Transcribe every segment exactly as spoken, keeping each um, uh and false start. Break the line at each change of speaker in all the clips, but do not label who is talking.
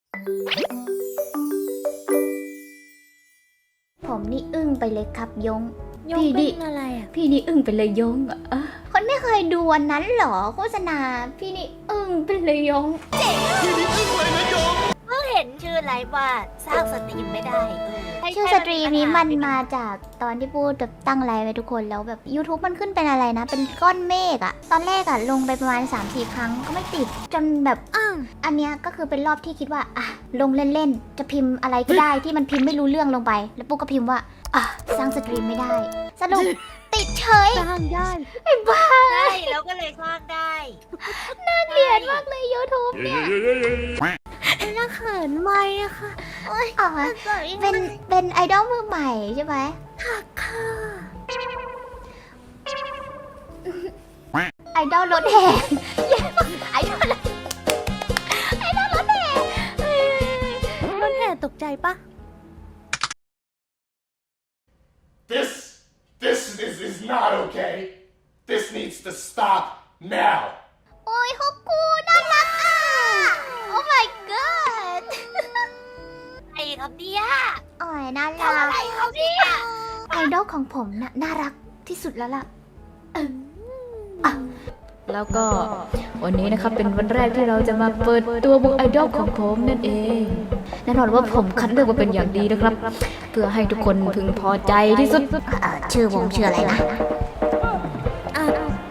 ผมนี่อึ้งไปเลยครับยง
ยง
พี่
เป็
นี่
นอะไรอ่ะ
พี่นี่อึ้งไปเลยยงอะคนไม่เคยดูอันนั้นหรอโฆษณาพี่นี่อึ้งไปเลยยง
เพิ่งเห็นชื่อไลฟ์ว่าสร้างสตรีมไม่ได้เ
ชื่อสตรีมนี้มันมาจากตอนที่พูดแบบตั้งไลฟ์ไว้ทุกคนแล้วแบบ YouTube มันขึ้นเป็นอะไรนะ เป็นก้อนเมฆอะตอนแรกอะลงไปประมาณ สามสี่ ครั้งก็ไม่ติดจนแบบ
อ้าว
อันเนี้ยก็คือเป็นรอบที่คิดว่าอ่ะลงเล่นๆจะพิมพ์อะไรก็ได้ที่มันพิมพ์ไม่รู้เรื่องลงไป แล้วปุ๊กก็พิมพ์ว่าอ่ะสร้างสตรีมไม่ได้ สรุป ติดเฉย
สร้างได้
ไอ้บ้า
ใช่แล้วก็เลยสร้างได้
น่าเกลียดมากเลย YouTube เนี่ย
น่าเขินไหมอะค่ะ
อ๋อเป็นเป็นไอดอลมือใหม่ใช่ไหม
ค่ะค่ะ
ไอดอลรถแห่แย่มากไอดอลไอดอลรถแห่
รถแห่ตกใจปะ
This, this is, is not okay. This needs to stop now.
โอ้ยฮอกกูน่ารักอ่ะ โอ้ my god
ไอ้ครับเนี่ย
โอ้ยน่า
ทำ
รั
อะไร
ก
ครับเนี่ย
ไอดอลของผมน่ะน่ารักที่สุดแล้วล่ะ
แล้วก็วันนี้นะครับเป็นวันแรกที่เราจะมาเปิดตัววงไอดอลของผมนั่นเองแน่นอนว่าผมคัดเลือกมาเป็นอย่างดีนะครับ เพื่อให้ทุกคนพึงพอใจที่สุด
เอ่อชื่อวงชื่ออะไรนะ
อ่ะ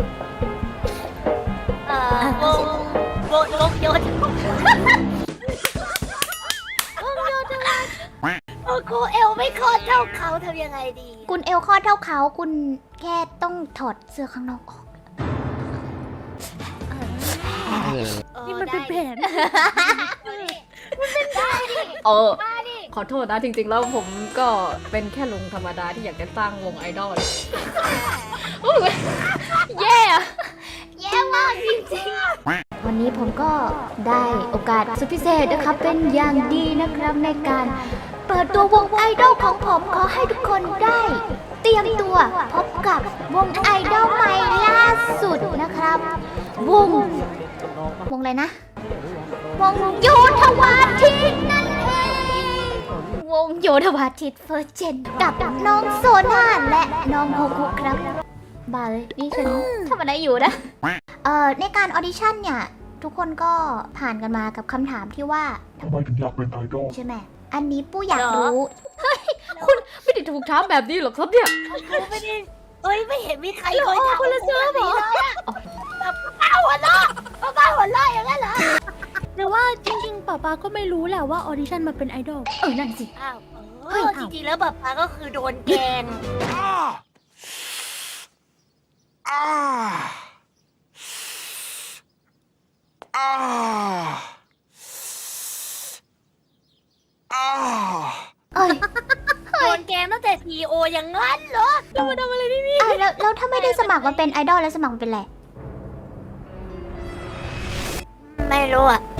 เอ่อวงวงวงโยธวงโยธวาโอ้กูเอลไม่คลอดเท่าเขาทำยังไงดี
คุณเอลคลอดเท่าเขาคุณแค่ต้องถอดเสื้อข้างนอกออก
นี่มันเป็นแผน
เออ
มาดิ
ขอโทษนะจริงๆแล้วผมก็เป็นแค่ลุงธรรมดาที่อยากจะสร้างวงไอดอล
แย่อะแย่มากจริงๆ วันนี้ผมก็ได้โอกาสสุดพิเศษนะครับ เป็นอย่างดีนะครับในการเปิดตัววงไอดอลของผมขอให้ทุกคนได้เตรียมตัวพบกับวงไอดอลใหม่ล่าสุดนะครับ วง วงอะไรนะ วงโยธวาทิตนั่นเอง วงโยธวาทิตเฟิร์สเจนกับน้องโซน่าและน้องโฮคุครับบ้าเลยนี่ฉันทำอะไรอยู่นะ เอ่อในการออดิชั่นเนี่ย ทุกคนก็ผ่านกันมากับคำถามที่ว่า
ทำไมถึงอยากเป็นไอดอล
ใช่ไหม อันนี้ปู้อยากรู้
ไม่ได้ถูกถามแบบนี้หรอกครับเนี่ย
กูไม่ได้เอ้ยไม่เห็นมีใครเคยทำคนละเสื้อหรอแบบป้าหัวเราะป้าหัวเราะอย่างนั้นเหรอ
แต่ว่าจริงๆป๊าป๊าก็ไม่รู้แหละว่าออดิชั่นมาเป็นไอดอล
เออ นั่นสิ
อ้าวเออจริงๆแล้วแบบป้าก็คือโดนแกง
Ah! Ah! Ah! Ah!
เอ้ย
โดนแกงตั้งแต่ทีโออย่างนั้นเหรอเรามาทำอะไรที่นี่
อ่ะแล้วแล้วถ้าไม่ได้สมัครมาเป็นไอดอลแล้วสมัครมาเป็นอะไร
ไม่รู้อ่ะ